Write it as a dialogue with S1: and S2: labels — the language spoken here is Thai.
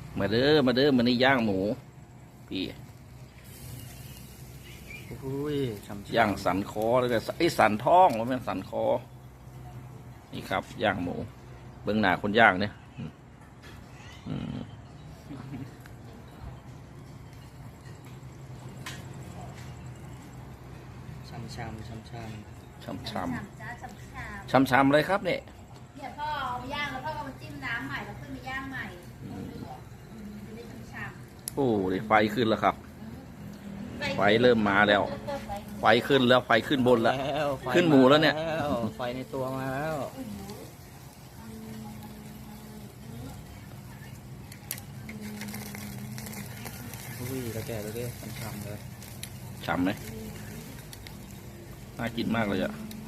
S1: มาเด้อมาเด้อมานี่ย่างหมูพี่
S2: อุ้ยช่ำๆ
S1: ย่างสันคอแล้วก็ไอ้สันท้องว่าแม่นสันคอนี่ครับย่างหมูเบื้องหน้าคนย่างเนี่ยอืม
S2: ช่ำๆช่ำๆ
S1: ช้ำ
S3: จ้าฉ่ำ
S1: ช้ำช้ำเลยครับเนี่ย
S3: ๆเนี่ยพ่อเอาไปย่างแล้วพ่อก็มาจิ้มน้ำใหม่แล้วขึ้นมาย่างใหม่จะได้ฉ่ำ
S1: โอ้ดิไฟขึ้นแล้วครับ
S3: ๆ
S1: ไฟเริ่มมาแล้ว ไฟขึ้นแล้วไฟขึ้นบนแล้ว
S2: ไฟ
S1: ขึ้นหมูแล้วเนี่ย
S2: ไฟในตัวมาแล้วอุ้ยตะแก่เลยดิช่ำๆเลย
S1: ฉ่ำไหมน่ากินมากเลยอะ